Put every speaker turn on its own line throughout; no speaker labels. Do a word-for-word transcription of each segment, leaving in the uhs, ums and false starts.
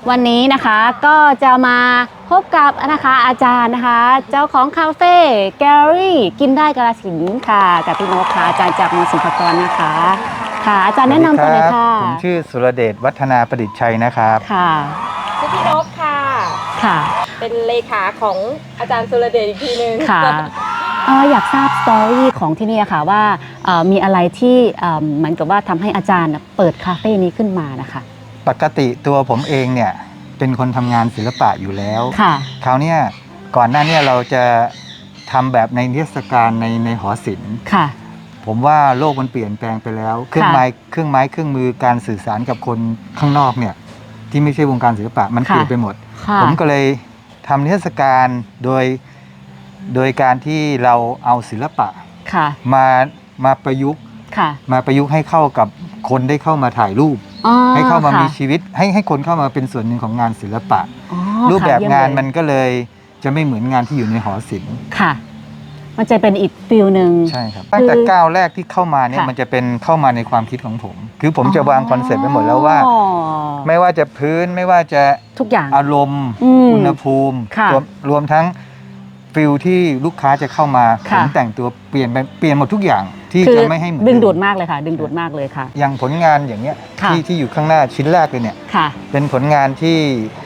วันนี้นะคะก็จะมาพบกับนะคะอาจารย์นะคะเจ้าของคาเฟ่แกลเลอรี่กินได้กาฬสินธุ์ค่ะกับพี่นกค่ะอาจารย์จากมศิลปากรนะคะค่ะอาจารย์แนะนำตัวหน่อยค่ะ
ผมชื่อสุรเดชวัฒนาประดิษฐ์ชัยนะครับ
ค่ะ
ชื่อพี่นกค่ะ
ค่ะ
เป็นเลขาของอาจารย์สุรเดชอีกทีนึง
ค่ะอยากทราบสตอรี่ของที่นี่ค่ะว่ามีอะไรที่เหมือนกับว่าทำให้อาจารย์เปิดคาเฟ่นี้ขึ้นมานะคะ
ปกติตัวผมเองเนี่ยเป็นคนทำงานศิลปะอยู่แล้วค่ะคราวนี้ก่อนหน้านี้เราจะทำแบบในเทศกาลในในหอศิลป์ค่ะผมว่าโลกมันเปลี่ยนแปลงไปแล้วเครื่องไม้เครื่องไม้เครื่องมือการสื่อสารกับคนข้างนอกเนี่ยที่ไม่ใช่วงการศิลปะมันเปลี่ยนไปหมดผมก็เลยทำเทศกาลโดยโดยการที่เราเอาศิลปะมามาประยุกต์มาประยุกต์ให้เข้ากับคนได้เข้ามาถ่ายรูปให้เข้ามามีชีวิตให้ให้คนเข้ามาเป็นส่วนหนึ่งของงานศิลปะรูปแบบงานมันก็เลยจะไม่เหมือนงานที่อยู่ในหอศิลป์ค่ะ
มันจะเป็นอีกฟิลหนึ่ง
ใช่ครับตั้งแต่ก้าวแรกที่เข้ามาเนี่ยมันจะเป็นเข้ามาในความคิดของผมคือผมจะวางคอนเซ็ปต์ไว้หมดแล้วว่าไม่ว่าจะพื้นไม่ว่าจะ
ทุกอย่าง
อารมณ์อุณหภูมิรวมทั้งฟิลที่ลูกค้าจะเข้ามาผมแต่งตัวเปลี่ยนไปเปลี่ยนหมดทุกอย่างที่จะไม่ให้เหมือน
ดึงดูดมากเลยค่ะดึงดูดมากเลยค่ะ
อย่างผลงานอย่างเงี้ยที่ที่อยู่ข้างหน้าชิ้นแรกเลยเนี่ยเป็นผลงานที่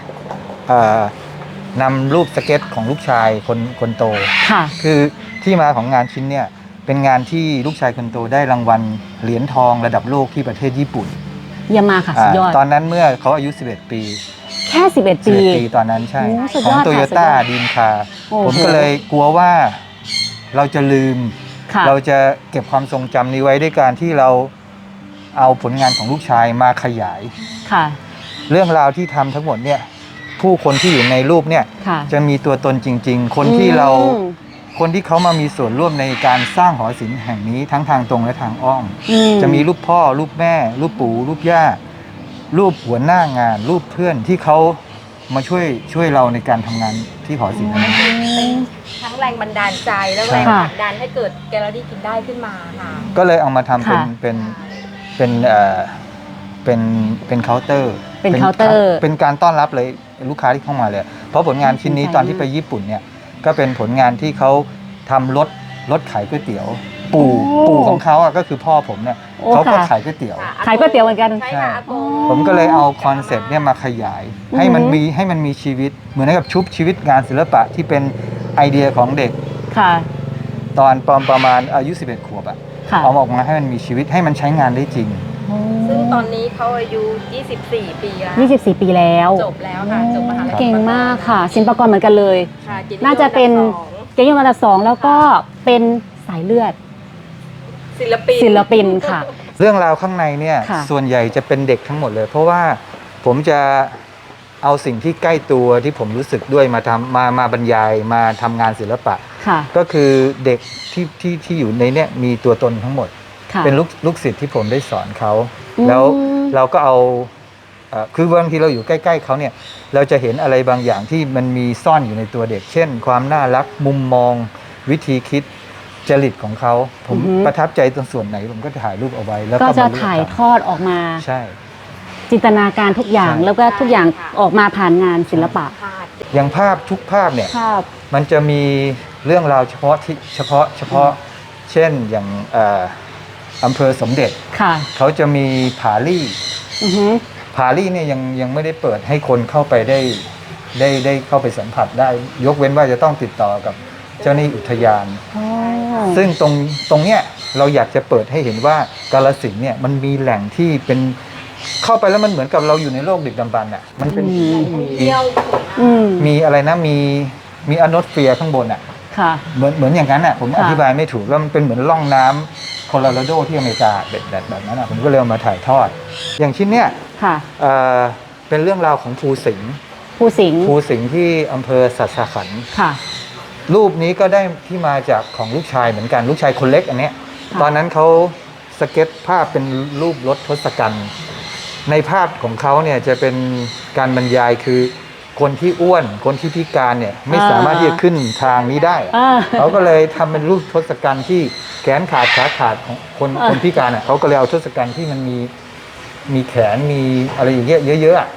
นำรูปสเก็ตของลูกชายคนคนโตคือที่มาของงานชิ้นเนี่ยเป็นงานที่ลูกชายคนโตได้รางวัลเหรียญทองระดับโลกที่ประเทศญี่ปุ่น
เยี่ยมมากค่ะสุดยอด
ตอนนั้นเมื่อเขาอายุสิบเอ็ดปี
แค่สิบเอ็ดปี
ปีตอนนั้นใช่ของโตโยต้าดีมคาร์ผมก็เลยกลัวว่าเราจะลืมเราจะเก็บความทรงจำนี้ไว้ด้วยการที่เราเอาผลงานของลูกชายมาขยายค่ะเรื่องราวที่ทำทั้งหมดเนี่ยผู้คนที่อยู่ในรูปเนี่ยจะมีตัวตนจริงๆคนที่เราคนที่เขามามีส่วนร่วมในการสร้างหอศิลป์แห่งนี้ทั้งทางตรงและทางอ้อมจะมีรูปพ่อรูปแม่รูปปู่รูปย่ารูปหัวหน้างานรูปเพื่อนที่เขามาช่วยช่วยเราในการทำงานที่หอศิลป์นั้น
ทั้งแรงบันดาลใจและแรงผลักดันให้เกิดแกลเลอรี่กินได้ขึ้นมาค่ะ
ก็เลยเอามาทำเป็นเป็นเป็นเอ่อเป็นเป็นเคาน์เตอร์
เป็นเคาน์เตอร์
เป็นการต้อนรับเลยลูกค้าที่เข้ามาเลยเพราะผลงานชิ้นนี้ตอนที่ไปญี่ปุ่นเนี่ยก็เป็นผลงานที่เขาทำรถรถขายก๋วยเตี๋ยวปู่ปู่ของเขาอ่ะก็คือพ่อผมเนี่ยเขาก็ขายก๋วยเตี๋ยว
ขายก๋วยเตี๋ยวเหมือนกัน
ใช่ค่ะ
ผมก็เลยเอาคอนเซ็ปต์เนี่ยมาขยายให้มันมีให้มันมีชีวิตเหมือนกับชุบชีวิตงานศิลปะที่เป็นไอเดียของเด็กค่ะตอนประมาณอายุสิบเอ็ดขวบอ่ะเอาออกมาให้มันมีชีวิตให้มันใช้งานได้จริง
ซึ่งตอนนี้เขาอายุยี่สิบสี่ปีแล้ว
ยี่สิบสี่ปีแล้ว
จบแล้วค่ะจบมหาลัย
เก่งมากค่ะศิลปากรเหมือนกันเลยน่าจะเป็นเกียรตินิยมระดับสองแล้วก็เป็นสายเลือด
ศิลปิน
ศิลปินค่ะ
เรื่องราวข้างในเนี่ยส่วนใหญ่จะเป็นเด็กทั้งหมดเลยเพราะว่าผมจะเอาสิ่งที่ใกล้ตัวที่ผมรู้สึกด้วยมาทำมามาบรรยายมาทำงานศิลปะก็คือเด็กที่ที่ที่อยู่ในเนี่ยมีตัวตนทั้งหมดเป็นลูกลูกศิษย์ที่ผมได้สอนเขาแล้วเราก็เอาคือบางทีเราอยู่ใกล้ๆเขาเนี่ยเราจะเห็นอะไรบางอย่างที่มันมีซ่อนอยู่ในตัวเด็กเช่นความน่ารักมุมมองวิธีคิดจริตของเขาผมประทับใจตรงส่วนไหนผมก็ถ่ายรูปเอาไว้แล้ว
ก็จะถ่ายทอดออกมา
ใช่
จินตนาการทุกอย่างแล้วก็ทุกอย่างออกมาผ่านงานศิลปะ
อย่างภาพทุกภาพเนี่ยมันจะมีเรื่องราวเฉพาะที่เฉพาะเฉพาะเช่นอย่างอำเภอสมเด็จเขาจะมีผาลี่ผาลี่เนี่ยยังยังไม่ได้เปิดให้คนเข้าไปได้ได้ได้เข้าไปสัมผัสได้ยกเว้นว่าจะต้องติดต่อกับเจ้าหน้าที่อุทยานซึ่งตรงตรงเนี้ยเราอยากจะเปิดให้เห็นว่ากาฬสินธุ์เนี่ยมันมีแหล่งที่เป็นเข้าไปแล้วมันเหมือนกับเราอยู่ในโลกดึกดำบรรพ์อ่ะมันเป็นมีอะไรนะมีมีอโนสเฟียร์ข้างบนอ่ะเหมือนเหมือนอย่างนั้นอ่ะผมอธิบายไม่ถูกแล้วมันเป็นเหมือนร่องน้ำโคโลราโดที่อเมริกาแบบแบบแบบนั้นอ่ะผมก็เลยเอามาถ่ายทอดอย่างชิ้นเนี้ยเป็นเรื่องราวของภูสิงห์
ภูสิงห์
ภูสิงห์ที่อำเภอสัสสะขันธ์รูปนี้ก็ได้ที่มาจากของลูกชายเหมือนกันลูกชายคนเล็กอันเนี้ยตอนนั้นเขาสเก็ตภาพเป็นรูปรถทศกัณฐ์ในภาพของเขาเนี่ยจะเป็นการบรรยายคือคนที่อ้วนคนที่พิการเนี่ยไม่สามารถที่จะขึ้นทางนี้ได้เขาก็เลยทำเป็นรูปทศกัณฐ์ที่แขนขาดขาขาดของคนคนพิการอ่ะเขาก็เลยเอาทศกัณฐ์ที่มันมีมีแขนมีอะไรอย่างเงี้ยเยอะๆ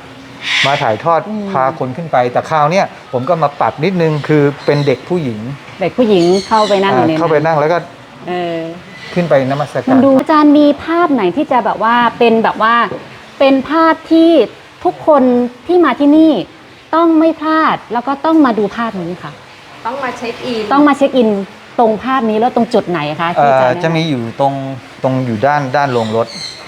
มาถ่ายทอด
อืม
พาคนขึ้นไปแต่คราวเนี้ยผมก็มาปรับนิดนึงคือเป็นเด็กผู้หญิง
เด็กผู้หญิงเข้าไปนั่งอยู่ใน
อ่าเข้าไปนั่งแล้วก็
เออ
ขึ้นไปนมัส
มั
กาน ร
ดูอาจารย์มีภาพไหนที่จะแบบว่าเป็นแบบว่าเป็นภาพที่ทุกคนที่มาที่นี่ต้องไม่พลาดแล้วก็ต้องมาดูภาพนี้ค่ะ
ต้องมาเช็คอิน
ต้องมาเช็คอินตรงภาพนี้แล้วตรงจุดไหนคะ
เอ่
ที่อา
อ
จารย์
จะมีอยู่ตรงตรงอยู่ด้านด้านโรงรถตรง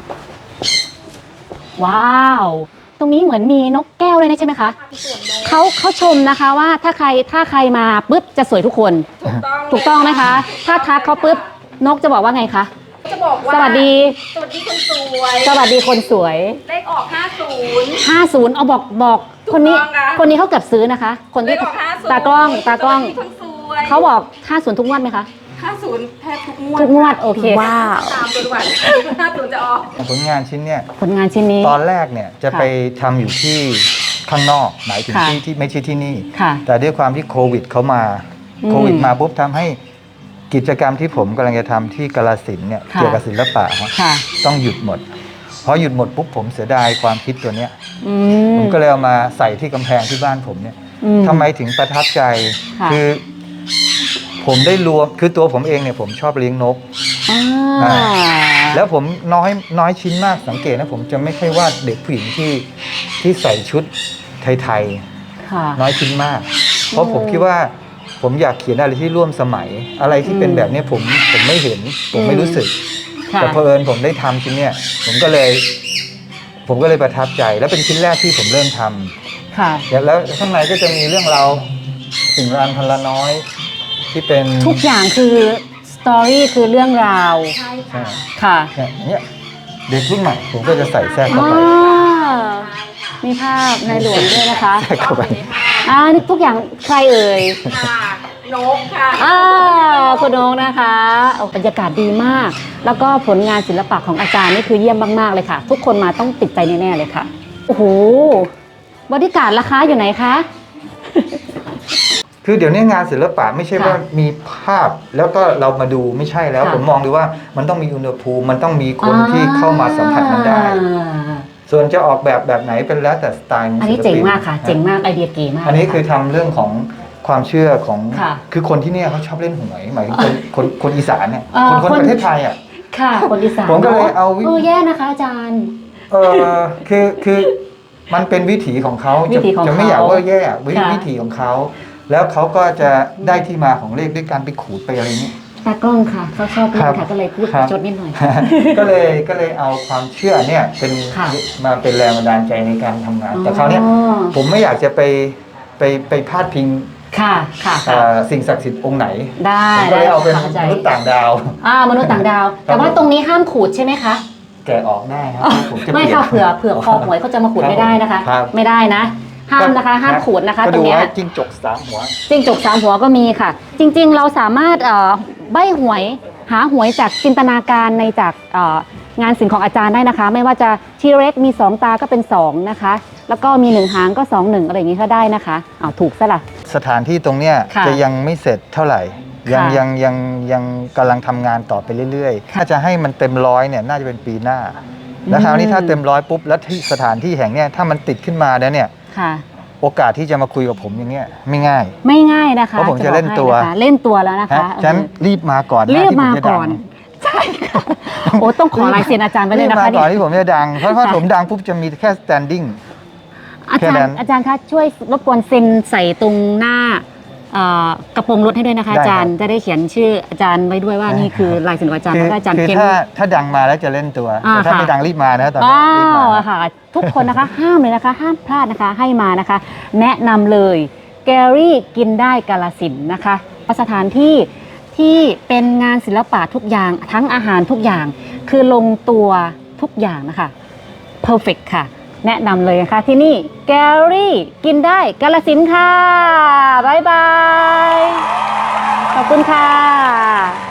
ว้าว ตรงนี้เหมือนมีนกแก้วเลยนะใช่ไหมคะเขาเขาชมนะคะว่าถ้าใครถ้าใครมาปุ๊บจะสวยทุกคน
ถูกต้อง
ถูกต้องไหมคะ ถ้าทักเขาปุ๊บนกจะบอกว่าไงคะ
จะบอกว่า
สวัสดี
สวัสดีคนสวย
สวัสดีคนสวย
เลขออกห้าศูนย์
ห้าสิบเอาบอกบอก
ถูก
คนนี้
ต้องค่ะ
คนนี้เขาเก็บซื้อนะคะ คน
เล
ที่
ขออกห้าศูนย์
ตากล้องตากล้อง
สวัสดีคนสวย
เขาบอกห้าสิบทุกงวดไหมคะ
ห้าศูนย์แทบทุกงวด
ทุกงวดโอเค
ว้าวตามตัววันห้าศูนย์จะออก
ผลงานชิ้นเนี้ย
ผลงานชิ้นนี้
ตอนแรกเนี่ยจะ
ค่ะ
ไปทำอยู่ที่ข้างนอกหมายถึง
ค่ะ
ที่ที่ไม่ใช่ที่นี่
ค่ะ
แต่ด้วยความที่โควิดเขามา
อืม
โควิดมาปุ๊บทำให้กิจกรรมที่ผมกำลังจะทำที่กาฬสินธุ์เนี่ย
ค่ะ
เกี่ยวกับศิลปะฮะ
ค่ะ
ต้องหยุดหมดพอหยุดหมดปุ๊บผมเสียดายความคิดตัวเนี้ย
อื
ผม มก็เลยเอามาใส่ที่กำแพงที่บ้านผมเนี่ย
อืม
ทำไมถึงประทับใจ
ค่ะ
คือผมได้รวมคือตัวผมเองเนี่ยผมชอบเลี้ยงนก
อ่า
อ่า แล้วผมน้อยน้อยชิ้นมากสังเกตนะผมจะไม่ค่อยวาดเด็กผู้หญิงที่ที่ใส่ชุดไทย
ค่ะ
ๆน้อยชิ้นมาก เพราะผมคิดว่าผมอยากเขียนอะไรที่ร่วมสมัย อะไรที่เป็นแบบเนี้ยผมผมไม่เห็น ผมไม่รู้สึก
ค่ะ
แต่เพอเอิญผมได้ทำชิ้นเนี้ยผมก็เลย ผมก็เลยประทับใจ แล้วเป็นชิ้นแรกที่ผมเริ่มทำ
ค่ะ
แล้วแล้วข้างในก็จะมีเรื่องราวสิ่งรานพันละน้อย ที่เป็น
ทุกอย่างคือสตอรี่คือเรื่องราว
ใช่
ใช่
ค่ะ
ค่ะ
เนี่ยอย่างเนี้ยเด็กรุ่นใหม่ผมก็จะใส่แทรกเข้า
อ่า
ไป
มีภาพในหลวงด้วยนะคะ
แทรกเข้าไป
อ่านี่ทุกอย่างใครเอ่ย
ค่ะนกค่ะ
อ่าคุณนงนะคะโอ้บรรยากาศดีมาก แล้วก็ผลงานศิลปะของอาจารย์นี่คือเยี่ยมมากๆเลยค่ะ ทุกคนมาต้องติดใจแน่ๆเลยค่ะ โอ้โหบริการราคาอยู่ไหนคะ
คือเดี๋ยวนี้งานศิลปะไม่ใช่
ค่ะ
ว่ามีภาพแล้วก็เรามาดูไม่ใช่แล้ว
ค่ะ
ผมมองดูว่ามันต้องมีอุณหภูมิมันต้องมีคนที่เข้ามาสัมผัสมันได้
อ่า
ส่วนจะออกแบบแบบไหนเป็นแล้วแต่สไตล์ข
อันนี้
ศิล
เจ๋ง
ปิ
มากค่ะ เจ๋งมากไอเดียเก๋มาก
อันนี้
เลยะ
คือทำเรื่องของความเชื่อของ
ค่ะ
คือคนที่เนี่ยเขาชอบเล่นหวยหมายถึงคนคนคนอีสานเนี่ย
เอ่อ
คนคน
คน
ประเทศไทยอ่ะ
ค่ะ คนอีสาน
ผมก็เลยเอาวิ
เออแย่นะคะอาจารย์
เออคือคือมันเป็นวิถีของเขา
วิ
จะ
ถีของ
จะไม่
เขา
อยากว่าแย่วิ
ค่ะ
วิถีของเขาแล้วเขาก็จะได้ที่มาของเลขด้วยการไปขูดไปอะไรนี้
ตากล้องค่ะเขาชอบเล่
ครั
น
บ
ค่ะก็เลยพูด
ครับ
จดนิดหน่อย
ก็เลยก็เลยเอาความเชื่อเนี่ยเป็น
ค่ะ
มาเป็นแรงบันดาลใจในการทำงาน แต่
อ๋อ
คราวเนี้ยผมไม่อยากจะไปไปไปพาดพิง
ค่ะค่ะ
เอ่
ค่ะ
อสิ่งศักดิ์สิทธิ์องค์ไหน
ได้
ผมก็เลยเอาเป็น
ข้ใจ
มนุษย์ต่างดาว
อ่ามนุษย์ต่างดาว แต่ว่าตรงนี้ห้ามขูดใช่ไหมคะ
แกะออกได้ครับผมจะ
ไม่
ปลี่ยน
ค่ะเผื่อเผื่อคอหวยเขาจะมาขูดไม่ได้นะคะ
ครับ
ไม่ได้นะ ห้ามนะคะ ห้ามขูดนะคะ
ก็
ตร
ดู
งเนี้ย
ว่าจิ้งจกสามหัว
จิ้งจกสามหัวก็มีค่ะ จริงๆ เราสามารถเอ่อใบหวยหาหวยจากจินตนาการในจากเอ่องานศิลป์ของอาจารย์ได้นะคะ ไม่ว่าจะทีเร็กมีสองตาก็เป็นสองนะคะ แล้วก็มีหนึ่งหางก็สองหนึ่งอะไรอย่างนี้ก็ได้นะคะอ้าวถูกซะละ
สถานที่ตรงเนี้ย
ค่ะ
จะยังไม่เสร็จเท่าไหร่ ยัง
ค่ะ
ยังยังยังกำลังทำงานต่อไปเรื่อยๆ
ค่ะ
ถ้าจะให้มันเต็มร้อยเนี่ยน่าจะเป็นปีหน้า แล้วคราวนี้
อืม
ถ้าเต็มร้อยปุ๊บแล้วที่สถานที่แห่งเนี้ยถ้ามันติดขึ้นมาแล้วเนี่ย
ค่ะ
โอกาสที่จะมาคุยกับผมอย่างเงี้ยไม่ง่าย
ไม่ง่ายนะคะ
เพราะผมจะเล่นตัว
บอให้นะคะเล่นตัวแล้วนะคะ
ฮะฉะนัน
เออ
รีบมาก่อน
รีบ
ที่ผ
มา
จะดัง
ก่อน ใช่ค่ะโอ้ต้องขอลายเซ็นอาจารย์ไว้เล
รี
ย
บ
นะ
มา
คะ
ก่อน
นี่
ที่ผมจะดัง เพราะว่า
ค่ะ
ผมดังปุ๊บจะมีแค่ standing
อา
แค่
จาร
นั้
ย์
น
อาจารย์คะช่วยรบกวนเซ็นใส่ตรงหน้าเอ่อกระโปรงรถให้ด้วยนะคะ
ได้
อาจารย์
ครับ
จะได้เขียนชื่ออาจารย์ไว้ด้วยว่า
ได้
นี่คือ
ครับ
ลายเซ็นของอาจารย์
คือ
แล้วก็อาจารย์
คือ
เพ้น
ถ้าถ้าดังมาแล้วจะเล่นตัว
อ่า
แต่ถ้า
ค่ะ
ไม่ดังรีบมานะตอนนี้
ว้า
รีบมาว
ค่ะ ทุกคนนะคะ ห้ามเลยนะคะ ห้ามพลาดนะคะ ให้มานะคะ แนะนำเลยแกรี่กินได้กาลสินธุ์นะคะสถานที่ที่เป็นงานศิลปะทุกอย่างทั้งอาหารทุกอย่าง คือลงตัวทุกอย่างนะคะ perfect ค่ะ แนะนำเลยนะคะที่นี่แกรี่กินได้กาลสินธุ์ค่ะ บ๊ายบาย ขอบคุณค่ะ